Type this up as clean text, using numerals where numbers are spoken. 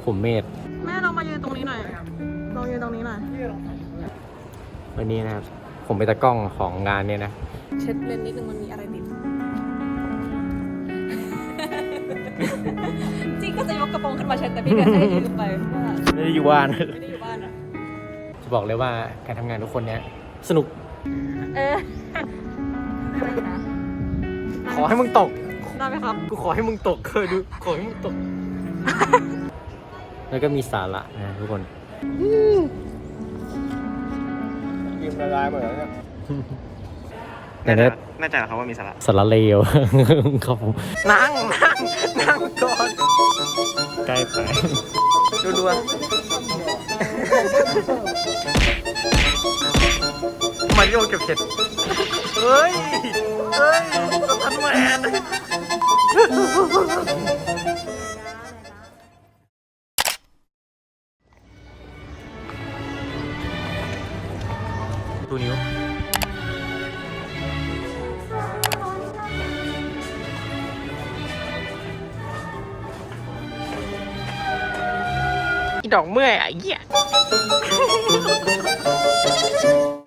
ผมเมธแม่เรามายืนตรงนี้หน่อยลองยืนตรงนี้หน่อยวันนี้นะครับผมเป็นตากล้องของงานเนี่ยนะเช็ดเลนนิดนึงมันมีอะไรติด จริงก็จะยกกระโปรงขึ้นมาเช็ดแต่พี่ก็จะให้ยืมไปว่าไม่ได้อยู่บ้านไม่ได้อยู่บ้านอะจะบอกเลยว่าการทำงานทุกคนเนี้ยสนุก ขอให้มึงตกได้ไหมครับกูขอให้มึงตกเคยดูขอให้มึงตก แล้วก็มีสาระนะทุกคนกินละลายหมดแล้วเนี่ยแต่เนี้ยแน่ใจเหรอครับว่ามีสาระสาระเลว ครับผมนั่งก่อนใกล้ไปดูมาริโอเก็บเห็ดเฮ้ยทันแมนดูนิ้วอีดอกเมื่อยอ่ะเหี้ย